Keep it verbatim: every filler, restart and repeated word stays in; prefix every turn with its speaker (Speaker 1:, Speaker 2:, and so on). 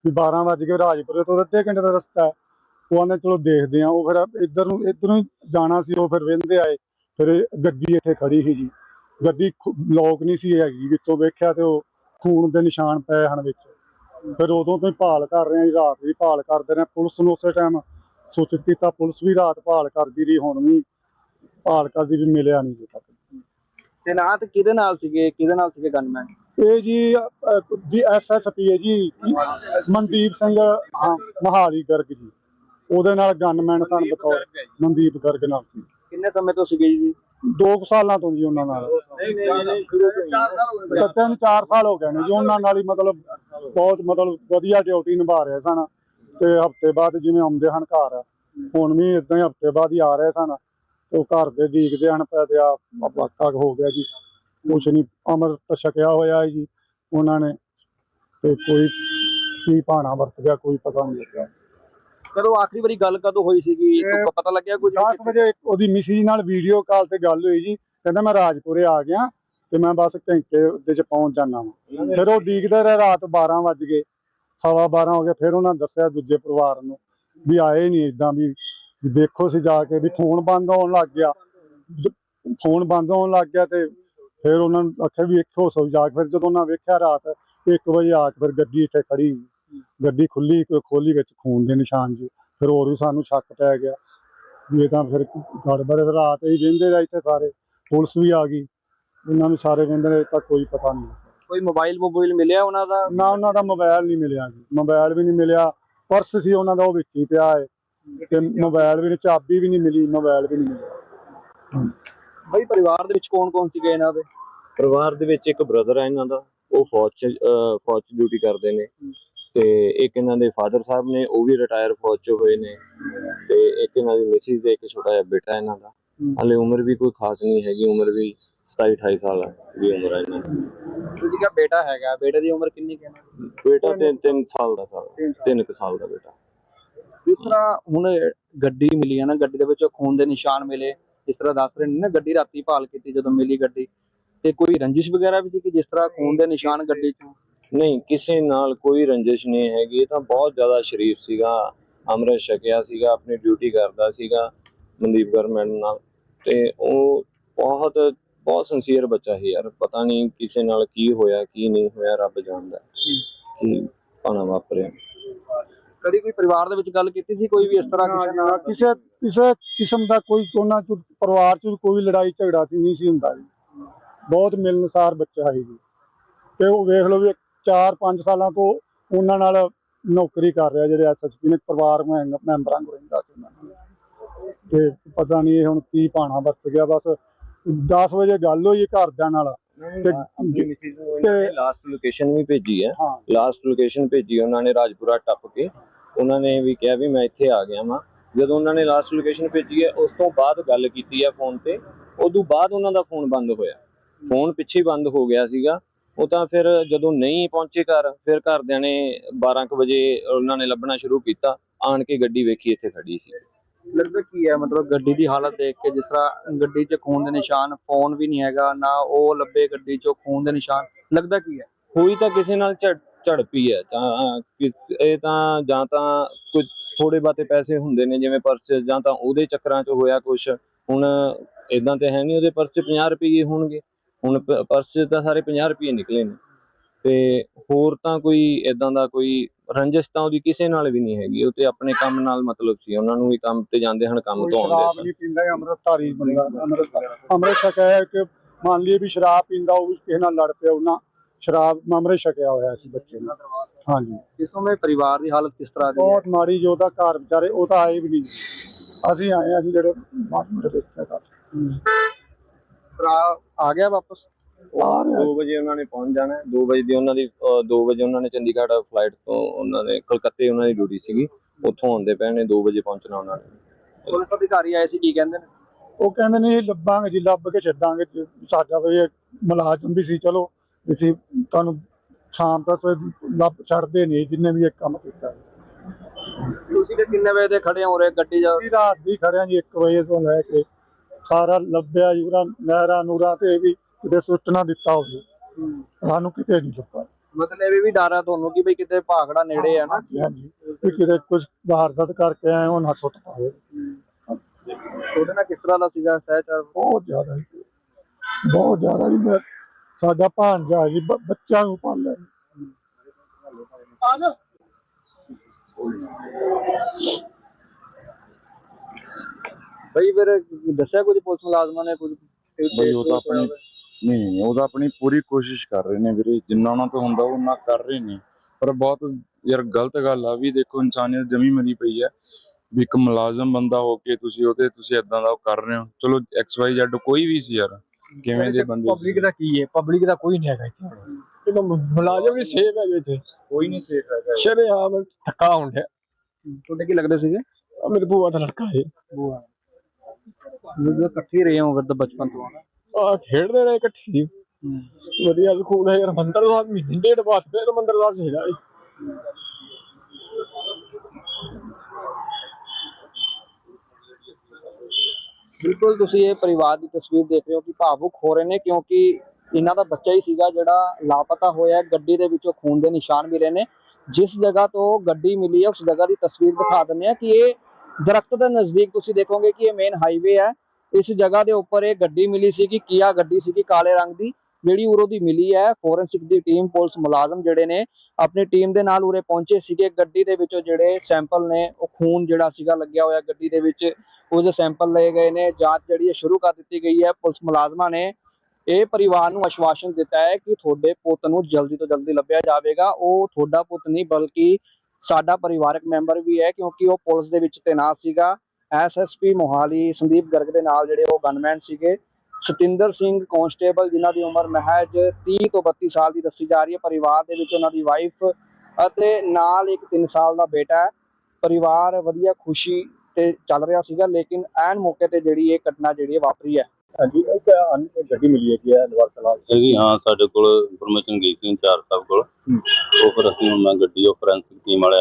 Speaker 1: ਵੀ ਬਾਰਾਂ ਵੱਜ ਗਏ, ਰਾਜਪੁਰੇ ਤੋਂ ਅੱਧੇ ਘੰਟੇ ਦਾ ਰਸਤਾ ਹੈ। ਉਹ ਆਂਦੇ ਚਲੋ ਦੇਖਦੇ ਆ। ਉਹ ਫਿਰ ਇੱਧਰ ਨੂੰ ਇੱਧਰੋਂ ਹੀ ਜਾਣਾ ਸੀ। ਉਹ ਫਿਰ ਵਹਿੰਦੇ ਆਏ, ਫਿਰ ਗੱਡੀ ਇੱਥੇ ਖੜੀ ਸੀ ਜੀ। ਗੱਡੀ ਲੋਕ ਨਹੀਂ ਸੀ ਹੈਗੀ, ਵਿੱਚੋਂ ਵੇਖਿਆ ਤੇ ਉਹ ਖੂਨ ਦੇ ਨਿਸ਼ਾਨ ਪਏ ਹਨ ਵਿੱਚ। ਫਿਰ ਉਦੋਂ ਤੋਂ ਹੀ ਭਾਲ ਕਰ ਰਹੇ ਹਾਂ ਜੀ, ਰਾਤ ਵੀ ਭਾਲ ਕਰਦੇ ਰਹੇ। ਪੁਲਿਸ ਨੂੰ ਉਸੇ ਟਾਈਮ ਸੂਚਿਤ ਕੀਤਾ, ਪੁਲਿਸ ਵੀ ਰਾਤ ਭਾਲ ਕਰਦੀ ਰਹੀ, ਹੁਣ ਵੀ ਭਾਲ ਕਰਦੀ ਵੀ ਮਿਲਿਆ ਨਹੀਂ ਜੀ ਤੱਕ।
Speaker 2: ਤੇ ਨਾ ਤੇ ਕਿਹਦੇ ਨਾਲ ਸੀਗੇ ਕਿਹਦੇ ਨਾਲ ਸੀਗੇ ਗਨਮੈਨ?
Speaker 1: ਇਹ ਜੀ ਜੀ ਐਸ ਐਸ ਪੀ ਹੈ ਜੀ, ਮਨਦੀਪ ਸਿੰਘ, ਹਾਂ, ਮਹਾਲੀ ਗਰਗ ਜੀ। ਉਹਦੇ ਨਾਲ ਗਨਮੈਨ ਸਨ ਬਤੌਰ ਮਨਦੀਪ ਗਰਗ ਨਾਲ ਸੀ।
Speaker 2: ਕਿੰਨੇ ਸਮੇਂ ਤੋਂ ਸੀਗੇ ਜੀ?
Speaker 1: ਦੋ ਕੁ ਸਾਲਾਂ ਤੋਂ ਜੀ ਉਹਨਾਂ ਨਾਲ। ਤਿੰਨ ਚਾਰ ਸਾਲ ਹੋ ਗਏ ਨੇ ਜੀ ਉਹਨਾਂ ਨਾਲ ਹੀ, ਮਤਲਬ ਬਹੁਤ ਮਤਲਬ ਵਧੀਆ ਡਿਊਟੀ ਨਿਭਾ ਰਹੇ ਸਨ। ਤੇ ਹਫ਼ਤੇ ਬਾਅਦ ਜਿਵੇਂ ਆਉਂਦੇ ਹਨ ਘਰ, ਹੁਣ ਵੀ ਏਦਾਂ ਹੀ ਹਫ਼ਤੇ ਬਾਅਦ ਹੀ ਆ ਰਹੇ ਸਨ। ਉਹ ਘਰ ਦੇ ਡੀਕਦੇ ਹਨ ਪਏ ਤੇ ਆ ਵਾਕਾ ਹੋ ਗਿਆ ਜੀ। ਕੁਛ ਨਹੀਂ, ਅੰਮ੍ਰਿਤ ਛਕਿਆ ਹੋਇਆ ਹੈ ਜੀ ਉਹਨਾਂ ਨੇ, ਤੇ ਕੋਈ ਕੀ ਭਾਣਾ ਵਰਤ ਗਿਆ ਕੋਈ ਪਤਾ ਨਹੀਂ ਲੱਗਿਆ।
Speaker 2: ਕਦੋਂ ਆਖਰੀ ਵਾਰੀ ਗੱਲ ਕਦੋਂ ਹੋਈ ਸੀਗੀ, ਪਤਾ ਲੱਗਿਆ ਕੁਝ?
Speaker 1: ਦਸ ਵਜੇ ਉਹਦੀ ਮਿਸਿਜ ਨਾਲ ਵੀਡੀਓ ਕਾਲ ਤੇ ਗੱਲ ਹੋਈ ਜੀ। ਕਹਿੰਦਾ ਮੈਂ ਰਾਜਪੁਰੇ ਆ ਗਿਆ ਤੇ ਮੈਂ ਬਸ ਘੰਟੇ ਦੇ ਚ ਪਹੁੰਚ ਜਾਣਾ ਵਾ। ਫਿਰ ਉਹ ਡੀਕਦੇ ਰਹੇ, ਰਾਤ ਬਾਰਾਂ ਵੱਜ ਗਏ, ਸਵਾ ਬਾਰਾਂ ਹੋ ਗਏ। ਫਿਰ ਉਹਨਾਂ ਦੱਸਿਆ ਦੂਜੇ ਪਰਿਵਾਰ ਨੂੰ ਵੀ ਆਏ ਨਹੀਂ, ਏਦਾਂ ਵੀ ਦੇਖੋ ਸੀ ਜਾ ਕੇ, ਵੀ ਫੋਨ ਬੰਦ ਹੋਣ ਲੱਗ ਗਿਆ। ਫੋਨ ਬੰਦ ਹੋਣ ਲੱਗ ਗਿਆ ਤੇ ਫਿਰ ਉਹਨਾਂ ਨੂੰ ਆਖਿਆ ਵੀ ਇੱਕੋ ਸੌ ਜਾ ਕੇ। ਫਿਰ ਜਦੋਂ ਉਹਨਾਂ ਵੇਖਿਆ ਰਾਤ ਇੱਕ ਵਜੇ ਆ ਕੇ, ਫਿਰ ਗੱਡੀ ਇੱਥੇ ਖੜੀ, ਗੱਡੀ ਖੁੱਲੀ, ਖੋਲੀ ਵਿੱਚ ਖੂਨ ਦੇ ਨਿਸ਼ਾਨ ਜੀ। ਫਿਰ ਹੋਰ ਵੀ ਸਾਨੂੰ ਸ਼ੱਕ ਪੈ ਗਿਆ ਵੀ ਇਹ ਤਾਂ ਫਿਰ ਗੜਬੜ। ਫਿਰ ਰਾਤ ਹੀ ਵਹਿੰਦੇ ਰਹੇ ਇੱਥੇ ਸਾਰੇ, ਪੁਲਿਸ ਵੀ ਆ ਗਈ, ਉਹਨਾਂ ਨੂੰ ਸਾਰੇ ਵਹਿੰਦੇ ਰਹੇ, ਤਾਂ ਕੋਈ ਪਤਾ ਨਹੀਂ।
Speaker 2: ਕੋਈ ਮੋਬਾਈਲ ਮੋਬਾਈਲ ਮਿਲਿਆ ਉਹਨਾਂ ਦਾ?
Speaker 1: ਨਾ, ਉਹਨਾਂ ਦਾ ਮੋਬਾਈਲ ਨਹੀਂ ਮਿਲਿਆ ਜੀ, ਮੋਬਾਈਲ ਵੀ ਨਹੀਂ ਮਿਲਿਆ। ਪਰਸ ਸੀ ਉਹਨਾਂ ਦਾ, ਉਹ ਵਿੱਚ ਹੀ ਪਿਆ ਹੈ, ਤੇ ਮੋਬਾਈਲ ਵੀ ਨਹੀਂ, ਚਾਬੀ ਵੀ ਨਹੀਂ ਮਿਲੀ, ਮੋਬਾਈਲ ਵੀ ਨਹੀਂ ਮਿਲਿਆ।
Speaker 2: ਬਈ ਪਰਿਵਾਰ ਦੇ ਵਿੱਚ ਕੌਣ ਕੌਣ ਸੀਗੇ ਇਹਨਾਂ ਦੇ?
Speaker 3: ਪਰਿਵਾਰ ਦੇ ਵਿੱਚ ਇੱਕ ਬ੍ਰਦਰ ਹੈ ਇਹਨਾਂ ਦਾ, ਉਹ ਫੌਜ ਚ ਫੌਜ ਚ ਡਿਊਟੀ ਕਰਦੇ ਨੇ। ਤੇ ਇੱਕ ਇਹਨਾਂ ਦੇ ਫਾਦਰ ਸਾਹਿਬ ਨੇ, ਉਹ ਵੀ ਰਿਟਾਇਰ ਫੌਜ ਚ ਹੋਏ ਨੇ। ਤੇ ਇੱਕ ਇਹਨਾਂ ਦੀ ਮਿਸਿਸ ਤੇ ਇੱਕ ਛੋਟਾ ਜਿਹਾ ਬੇਟਾ ਇਹਨਾਂ ਦਾ। ਹਾਲੇ ਉਮਰ ਵੀ ਕੋਈ ਖਾਸ ਨਹੀਂ ਹੈਗੀ, ਉਮਰ ਵੀ ਸਤਾਈ ਅਠਾਈ ਸਾਲ ਦੀ ਉਮਰ ਹੈ ਇਹਨਾਂ ਦੀ।
Speaker 2: ਤੁਸੀਂ ਕਿਹਾ ਬੇਟਾ ਹੈਗਾ, ਬੇਟੇ ਦੀ ਉਮਰ ਕਿੰਨੀ ਕੁ ਹੈ?
Speaker 3: ਬੇਟਾ ਤਿੰਨ ਤਿੰਨ ਸਾਲ ਦਾ ਸਾਲ ਤਿੰਨ ਕੁ ਸਾਲ ਦਾ ਬੇਟਾ।
Speaker 2: ਜਿਸ ਤਰ੍ਹਾਂ ਹੁਣ ਗੱਡੀ ਮਿਲੀ ਹੈ ਨਾ, ਗੱਡੀ ਦੇ ਵਿੱਚ ਖੂਨ ਦੇ ਨਿਸ਼ਾਨ ਮਿਲੇ, ਜਿਸ ਤਰ੍ਹਾਂ ਦੱਸ ਰਹੇ ਨੇ ਨਾ, ਗੱਡੀ ਰਾਤੀ ਭਾਲ ਕੀਤੀ ਜਦੋਂ ਮਿਲੀ ਗੱਡੀ, ਤੇ ਕੋਈ ਰੰਜਿਸ਼ ਵਗੈਰਾ ਵੀ ਸੀ ਕਿ ਜਿਸ ਤਰ੍ਹਾਂ ਖੂਨ ਦੇ ਨਿਸ਼ਾਨ ਗੱਡੀ ਚੋਂ?
Speaker 3: ਨਹੀਂ, ਕਿਸੇ ਨਾਲ ਕੋਈ ਰੰਜਿਸ਼ ਨਹੀਂ ਹੈਗੀ। ਇਹ ਤਾਂ ਬਹੁਤ ਜ਼ਿਆਦਾ ਸ਼ਰੀਫ ਸੀਗਾ, ਅੰਮ੍ਰਿਤ ਛਕਿਆ ਸੀਗਾ, ਆਪਣੀ ਡਿਊਟੀ ਕਰਦਾ ਸੀਗਾ ਮਨਦੀਪ ਗਰਮੈਨ ਨਾਲ। ਤੇ ਉਹ ਬਹੁਤ ਬਹੁਤ ਸਿੰਸੀਅਰ ਬੱਚਾ ਸੀ ਯਾਰ। ਪਤਾ ਨਹੀਂ ਕਿਸੇ ਨਾਲ ਕੀ ਹੋਇਆ ਕੀ ਨਹੀਂ ਹੋਇਆ, ਰੱਬ ਜਾਣਦਾ ਕੀ ਭਾਣਾ ਵਾਪਰਿਆ।
Speaker 2: ਕਦੀ ਕੋਈ ਪਰਿਵਾਰ ਦੇ ਵਿੱਚ ਗੱਲ ਕੀਤੀ ਸੀ ਕੋਈ ਵੀ ਇਸ ਤਰ੍ਹਾਂ ਕਿਸੇ ਨਾਲ?
Speaker 1: ਕਿਸੇ ਕਿਸੇ ਕਿਸਮ ਦਾ ਕੋਈ ਉਹਨਾਂ ਚ ਪਰਿਵਾਰ ਚ ਕੋਈ ਲੜਾਈ ਝਗੜਾ ਸੀ ਨਹੀਂ ਸੀ ਹੁੰਦਾ ਜੀ। ਬਹੁਤ ਮਿਲਣਸਾਰ ਬੱਚਾ ਸੀ ਜੀ। ਤੇ ਉਹ ਵੇਖ ਲਓ ਵੀ ਚਾਰ ਪੰਜ ਸਾਲਾਂ ਤੋਂ ਉਹਨਾਂ ਨਾਲ ਨੌਕਰੀ ਕਰ ਰਿਹਾ, ਜਿਹੜੇ ਐਸ ਐਸ ਪੀ ਨੇ, ਪਰਿਵਾਰ ਮੈਂਬਰਾਂ ਕੋਲ ਰਹਿੰਦਾ ਸੀ ਉਹਨਾਂ ਨਾਲ। ਤੇ ਪਤਾ ਨਹੀਂ ਇਹ ਹੁਣ ਕੀ ਭਾਣਾ ਵਰਤ ਗਿਆ। ਬਸ ਦਸ ਵਜੇ ਗੱਲ ਹੋਈ ਘਰਦਿਆਂ ਨਾਲ,
Speaker 3: ਲਾਸਟ ਲੋਕੇਸ਼ਨ ਵੀ ਭੇਜੀ ਹੈ। ਲਾਸਟ ਲੋਕੇਸ਼ਨ ਭੇਜੀ ਉਹਨਾਂ ਨੇ, ਰਾਜਪੁਰਾ ਟੱਪ ਕੇ। ਉਹਨਾਂ ਨੇ ਵੀ ਕਿਹਾ ਵੀ ਮੈਂ ਇੱਥੇ ਆ ਗਿਆ ਵਾਂ। ਜਦੋਂ ਉਹਨਾਂ ਨੇ ਲਾਸਟ ਲੋਕੇਸ਼ਨ ਭੇਜੀ ਹੈ, ਉਸ ਤੋਂ ਬਾਅਦ ਗੱਲ ਕੀਤੀ ਹੈ ਫੋਨ ਤੇ। ਉਦੋਂ ਬਾਅਦ ਉਹਨਾਂ ਦਾ ਫੋਨ ਬੰਦ ਹੋਇਆ, ਫੋਨ ਪਿੱਛੇ ਬੰਦ ਹੋ ਗਿਆ ਸੀਗਾ ਉਹ ਤਾਂ। ਫਿਰ ਜਦੋਂ ਨਹੀਂ ਪਹੁੰਚੇ ਘਰ, ਫਿਰ ਘਰਦਿਆਂ ਨੇ ਬਾਰਾਂ ਕੁ ਵਜੇ ਉਹਨਾਂ ਨੇ ਲੱਭਣਾ ਸ਼ੁਰੂ ਕੀਤਾ। ਆਣ ਕੇ ਗੱਡੀ ਵੇਖੀ, ਇੱਥੇ ਖੜੀ ਸੀ।
Speaker 2: ਲੱਗਦਾ ਕੀ ਹੈ ਮਤਲਬ ਗੱਡੀ ਦੀ ਹਾਲਤ ਦੇਖ ਕੇ, ਜਿਸ ਤਰ੍ਹਾਂ ਗੱਡੀ 'ਚ ਖੂਨ ਦੇ ਨਿਸ਼ਾਨ, ਫੋਨ ਵੀ ਨਹੀਂ ਹੈਗਾ ਨਾ, ਉਹ ਲੱਭੇ ਗੱਡੀ 'ਚੋਂ ਖੂਨ ਦੇ ਨਿਸ਼ਾਨ, ਲੱਗਦਾ ਕੀ ਹੈ?
Speaker 3: ਹੋਈ ਤਾਂ ਕਿਸੇ ਨਾਲ ਝੜ ਝੜਪੀ ਹੈ ਤਾਂ। ਇਹ ਤਾਂ ਜਾਂ ਤਾਂ ਕੁਝ ਥੋੜੇ ਬਾਤੇ ਪੈਸੇ ਹੁੰਦੇ ਨੇ ਜਿਵੇਂ ਪਰਸ, ਜਾਂ ਤਾਂ ਉਹਦੇ ਚੱਕਰਾਂ 'ਚ ਹੋਇਆ ਕੁਛ। ਹੁਣ ਏਦਾਂ ਤੇ ਹੈ ਨਹੀਂ ਉਹਦੇ ਪਰਸ 'ਚ ਪੰਜਾਹ ਰੁਪਈਏ ਹੋਣਗੇ, ਹੁਣ ਪਰਸ 'ਚ ਤਾਂ ਸਾਰੇ ਪੰਜਾਹ ਰੁਪਈਏ ਨਿਕਲੇ ਨੇ। ਤੇ ਹੋਰ ਤਾਂ ਕੋਈ ਏਦਾਂ ਦਾ ਕੋਈ ਰੰਜਿਸ਼ ਤਾਂ ਉਹਦੀ ਕਿਸੇ ਨਾਲ ਵੀ ਨਹੀਂ ਹੈਗੀ। ਉਹ ਤੇ ਆਪਣੇ ਕੰਮ ਨਾਲ ਮਤਲਬ ਸੀ, ਉਹਨਾਂ ਨੂੰ ਵੀ ਕੰਮ ਤੇ ਜਾਂਦੇ ਹਨ, ਕੰਮ ਤੋਂ ਆਉਂਦੇ
Speaker 1: ਸ਼ਰਾਬ ਨਹੀਂ ਪੀਂਦਾ, ਅੰਮ੍ਰਿਤਧਾਰੀ ਬੰਦਾ। ਅੰਮ੍ਰਿਤ ਅੰਮ੍ਰਿਤ ਛਕਿਆ ਕਿ ਮੰਨ ਲਈਏ ਵੀ ਸ਼ਰਾਬ ਪੀਂਦਾ, ਉਹ ਵੀ ਕਿਸੇ ਨਾਲ ਲੜ ਪਿਆ, ਉਹਨਾਂ ਸ਼ਰਾਬ ਅੰਮ੍ਰਿਤ ਛਕਿਆ ਹੋਇਆ ਸੀ ਬੱਚੇ ਨੂੰ। ਹਾਂਜੀ।
Speaker 2: ਇਸ ਸਮੇਂ ਪਰਿਵਾਰ ਦੀ ਹਾਲਤ ਕਿਸ ਤਰ੍ਹਾਂ ਦੀ?
Speaker 1: ਬਹੁਤ ਮਾੜੀ। ਜੋ ਉਹਦਾ ਘਰ ਵਿਚਾਰੇ, ਉਹ ਤਾਂ ਆਏ ਵੀ ਨਹੀਂ, ਅਸੀਂ ਆਏ ਹਾਂ ਜੀ ਜਿਹੜੇ ਰਿਸ਼ਤੇਦਾਰ।
Speaker 2: ਭਰਾ ਆ ਗਿਆ ਵਾਪਸ?
Speaker 3: ਦੋ ਵਜੇ ਉਹਨਾਂ ਨੇ ਪਹੁੰਚ ਜਾਣਾ। ਦੋ ਵਜੇ ਦੀ ਉਹਨਾਂ ਦੀ ਦੋ ਵਜੇ ਉਹਨਾਂ ਨੇ ਚੰਡੀਗੜ੍ਹ ਫਲਾਈਟ ਤੋਂ, ਉਹਨਾਂ ਨੇ ਕਲਕੱਤੇ ਉਹਨਾਂ ਦੀ ਡਿਊਟੀ ਸੀਗੀ, ਉੱਥੋਂ ਆਉਂਦੇ ਪਏ ਨੇ। ਦੋ ਵਜੇ ਪਹੁੰਚਣਾ ਉਹਨਾਂ ਨੇ।
Speaker 2: ਪੁਲਿਸ ਅਧਿਕਾਰੀ ਆਏ ਸੀ, ਕੀ ਕਹਿੰਦੇ ਨੇ?
Speaker 1: ਉਹ ਕਹਿੰਦੇ ਨੇ ਲੱਭਾਂਗੇ ਜੀ, ਲੱਭ ਕੇ ਛੱਡਾਂਗੇ। ਸਾਡਾ ਕੋਈ ਮੁਲਾਜ਼ਮ ਵੀ ਸੀ, ਚਲੋ ਅਸੀਂ ਤੁਹਾਨੂੰ ਸ਼ਾਮ ਤੱਕ ਲੱਭ ਛੱਡਦੇ ਨਹੀਂ ਜਿੰਨੇ ਵੀ ਇਹ ਕੰਮ ਕੀਤਾ।
Speaker 2: ਤੁਸੀਂ ਕਿ ਕਿੰਨੇ ਵਜੇ ਦੇ ਖੜੇ ਹੋ ਰਹੇ ਗੱਡੀ ਜਾ?
Speaker 1: ਅਸੀਂ ਰਾਤ ਦੀ ਖੜਿਆ ਜੀ, ਇੱਕ ਵਜੇ ਤੋਂ ਲੈ ਕੇ ਸਾਰਾ ਲੱਭਿਆ ਜੀ। ਉਹਦਾ ਨਹਿਰਾਂ ਨੂਰਾਂ ਤੇ ਵੀ ਕਿਤੇ ਸੁੱਟ ਨਾ ਦਿੱਤਾ ਹੋਵੇ, ਸਾਨੂੰ ਕਿਤੇ ਨਹੀਂ ਲੱਭਾ।
Speaker 2: ਮਤਲਬ ਇਹ ਵੀ ਡਰ ਆ ਤੁਹਾਨੂੰ ਕਿ ਬਈ ਕਿਤੇ ਭਾਖੜਾ ਨੇੜੇ ਆ ਨਾ।
Speaker 1: ਹਾਂਜੀ ਹਾਂਜੀ ਵੀ ਕਿਤੇ ਕੁਝ ਵਾਰਦਾਤ ਕਰਕੇ ਆਏ ਉਹ ਨਾ ਸੁੱਟ ਪਾਵੇ।
Speaker 2: ਤੁਹਾਡੇ ਨਾਲ ਕਿਸ ਤਰ੍ਹਾਂ ਦਾ ਸੀਗਾ ਸਹਿਚਾਰ?
Speaker 1: ਬਹੁਤ ਜ਼ਿਆਦਾ ਜੀ, ਬਹੁਤ ਜ਼ਿਆਦਾ ਜੀ। ਮੈਂ ਸਾਡਾ ਭਾਂਜਾ ਜੀ ਬ- ਬੱਚਿਆਂ ਨੂੰ ਪਾਲਿਆ ਜੀ।
Speaker 2: ਬਈ ਫਿਰ ਦੱਸਿਆ ਕੁਝ ਪੁਲਿਸ ਮੁਲਾਜ਼ਮਾਂ ਨੇ ਕੁਝ?
Speaker 4: ਬਈ ਉਹ ਤਾਂ ਆਪਣੀ ਨਹੀਂ ਨਹੀਂ ਉਹ ਤਾਂ ਆਪਣੀ ਪੂਰੀ ਕੋਸ਼ਿਸ਼ ਕਰ ਰਹੇ ਨੇ ਵੀਰੇ, ਜਿੰਨਾ ਉਹਨਾਂ ਤੋਂ ਹੁੰਦਾ ਉਹ ਉਹਨਾਂ ਕਰ ਰਹੇ ਨੇ। ਪਰ ਬਹੁਤ ਯਾਰ ਗਲਤ ਗੱਲ ਆ ਵੀ ਦੇਖੋ ਇਨਸਾਨੀਅਤ ਜਮੀ ਮਰੀ ਪਈ ਹੈ ਵੀ ਇੱਕ ਮੁਲਾਜ਼ਮ ਬੰਦਾ ਹੋ ਕੇ ਤੁਸੀਂ ਉਹਦੇ ਤੁਸੀਂ ਏਦਾਂ ਦਾ ਉਹ ਕਰ ਰਹੇ ਹੋ। ਚਲੋ ਐਕਸ ਵਾਈ ਜ਼ੈਡ ਕੋਈ ਵੀ ਸੀ ਯਾਰ, ਕਿਵੇਂ ਦੇ ਬੰਦੇ
Speaker 5: ਪਬਲਿਕ ਦਾ ਕੀ ਹੈ, ਪਬਲਿਕ ਦਾ ਕੋਈ ਨਹੀਂ ਹੈਗਾ ਇੱਥੇ। ਇਹਦਾ ਮੁਲਾਜ਼ਮ ਵੀ ਸੇਫ ਹੈਗੇ ਇੱਥੇ,
Speaker 4: ਕੋਈ ਨਹੀਂ ਸੇਫ ਹੈਗਾ।
Speaker 5: ਸ਼ਰੇਆਮ ਧੱਕਾ ਹੁੰਦਾ।
Speaker 2: ਤੁਹਾਡੇ ਕੀ ਲੱਗਦੇ ਸੀਗੇ?
Speaker 5: ਆਹ ਮੇਰੇ ਭੂਆ ਦਾ ਲੜਕਾ ਹੈ।
Speaker 2: ਜਦੋਂ ਇਕੱਠੇ ਰਹੇ ਹੋ ਫਿਰ ਤਾਂ ਬਚਪਨ ਤੋਂ
Speaker 5: ਆ ਖੇਡਦੇ ਰਹੇ ਇਕੱਠੇ, ਵਧੀਆ ਖੂਨ ਹੈ ਯਾਰ। ਮੰਦਰ ਸਾਹਿਬ ਮਹੀਨੇ ਡੇਢ ਬਾਅਦ ਫਿਰ ਮੰਦਰ ਸਾਹਿਬ ਚਾਹੀਦਾ।
Speaker 2: ਬਿਲਕੁਲ ਤੁਸੀਂ ਇਹ ਪਰਿਵਾਰ ਦੀ ਤਸਵੀਰ ਦੇਖ ਰਹੇ ਹੋ ਕਿ ਭਾਵੁਕ ਹੋ ਰਹੇ ਨੇ, ਕਿਉਂਕਿ ਇਹਨਾਂ ਦਾ ਬੱਚਾ ਹੀ ਸੀਗਾ ਜਿਹੜਾ ਲਾਪਤਾ ਹੋਇਆ। ਗੱਡੀ ਦੇ ਵਿੱਚੋਂ ਖੂਨ ਦੇ ਨਿਸ਼ਾਨ ਮਿਲੇ ਨੇ। ਜਿਸ ਜਗ੍ਹਾ ਤੋਂ ਗੱਡੀ ਮਿਲੀ ਹੈ ਉਸ ਜਗ੍ਹਾ ਦੀ ਤਸਵੀਰ ਦਿਖਾ ਦਿੰਦੇ ਆ ਕਿ ਇਹ ਦਰਖਤ ਦੇ ਨਜ਼ਦੀਕ ਤੁਸੀਂ ਦੇਖੋਗੇ ਕਿ ਇਹ ਮੇਨ ਹਾਈਵੇ ਹੈ। ਇਸ ਜਗ੍ਹਾ ਦੇ ਉੱਪਰ ਇਹ ਗੱਡੀ ਮਿਲੀ ਸੀ ਕਿ ਕੀਆ ਗੱਡੀ ਸੀਗੀ ਕਾਲੇ ਰੰਗ ਦੀ, ਜਿਹੜੀ ਉਰੋਂ ਦੀ ਮਿਲੀ ਹੈ। ਫੋਰੈਂਸਿਕ ਦੀ ਟੀਮ, ਪੁਲਿਸ ਮੁਲਾਜ਼ਮ ਜਿਹੜੇ ਨੇ ਆਪਣੀ ਟੀਮ ਦੇ ਨਾਲ ਉਰੇ ਪਹੁੰਚੇ ਸੀਗੇ। ਗੱਡੀ ਦੇ ਵਿੱਚੋਂ ਜਿਹੜੇ ਸੈਂਪਲ ਨੇ ਉਹ ਖੂਨ ਜਿਹੜਾ ਸੀਗਾ ਲੱਗਿਆ ਹੋਇਆ ਗੱਡੀ ਦੇ ਵਿੱਚ, ਉਹਦੇ ਸੈਂਪਲ ਲਏ ਗਏ ਨੇ। ਜਾਂਚ ਜਿਹੜੀ ਹੈ ਸ਼ੁਰੂ ਕਰ ਦਿੱਤੀ ਗਈ ਹੈ। ਪੁਲਿਸ ਮੁਲਾਜ਼ਮਾਂ ਨੇ ਇਹ ਪਰਿਵਾਰ ਨੂੰ ਆਸ਼ਵਾਸਨ ਦਿੱਤਾ ਹੈ ਕਿ ਤੁਹਾਡੇ ਪੁੱਤ ਨੂੰ ਜਲਦੀ ਤੋਂ ਜਲਦੀ ਲੱਭਿਆ ਜਾਵੇਗਾ। ਉਹ ਤੁਹਾਡਾ ਪੁੱਤ ਨਹੀਂ ਬਲਕਿ ਸਾਡਾ ਪਰਿਵਾਰਕ ਮੈਂਬਰ ਵੀ ਹੈ, ਕਿਉਂਕਿ ਉਹ ਪੁਲਿਸ ਦੇ ਵਿੱਚ ਤੈਨਾਤ ਸੀਗਾ। S S P Mohali Sandeep Garg ਦੇ ਨਾਲ ਜਿਹੜੇ ਉਹ ਗਨਮੈਨ ਸੀਗੇ। ਸਤਿੰਦਰ ਸਿੰਘ ਕਾਂਸਟੇਬਲ, ਜਿਨ੍ਹਾਂ ਦੀ ਉਮਰ ਮਹਿਜ ਤੀਹ ਤੋਂ ਬੱਤੀ ਸਾਲ ਦੀ ਦੱਸੀ ਜਾ ਰਹੀ ਹੈ। ਪਰਿਵਾਰ ਦੇ ਵਿੱਚ ਉਹਨਾਂ ਦੀ ਵਾਈਫ ਅਤੇ ਨਾਲ ਇੱਕ ਤਿੰਨ ਸਾਲ ਦਾ ਬੇਟਾ ਹੈ। ਪਰਿਵਾਰ ਵਧੀਆ ਖੁਸ਼ੀ ਤੇ ਚੱਲ ਰਿਹਾ ਸੀਗਾ, ਲੇਕਿਨ ਐਨ ਮੌਕੇ ਤੇ ਜਿਹੜੀ ਇਹ ਘਟਨਾ ਜਿਹੜੀ ਹੈ ਵਾਪਰੀ ਹੈ।
Speaker 5: ਹਾਂਜੀ, ਇੱਕ ਗੱਡੀ ਮਿਲੀ ਹੈਗੀ ਹੈ ਨਵਾਰ ਕਲਾਂ
Speaker 4: ਜੀ ਹਾਂ, ਸਾਡੇ ਕੋਲ ਇਨਫੋਰਮੇਸ਼ਨ ਗਈ ਸੀ ਇੰਚਾਰਜ ਸਾਹਿਬ ਕੋਲ। ਉਹ ਫਿਰ ਅਸੀਂ ਹੁਣ ਗੱਡੀ ਉਹ ਫੋਰੈਂਸਿਕ ਟੀਮ ਵਾਲੇ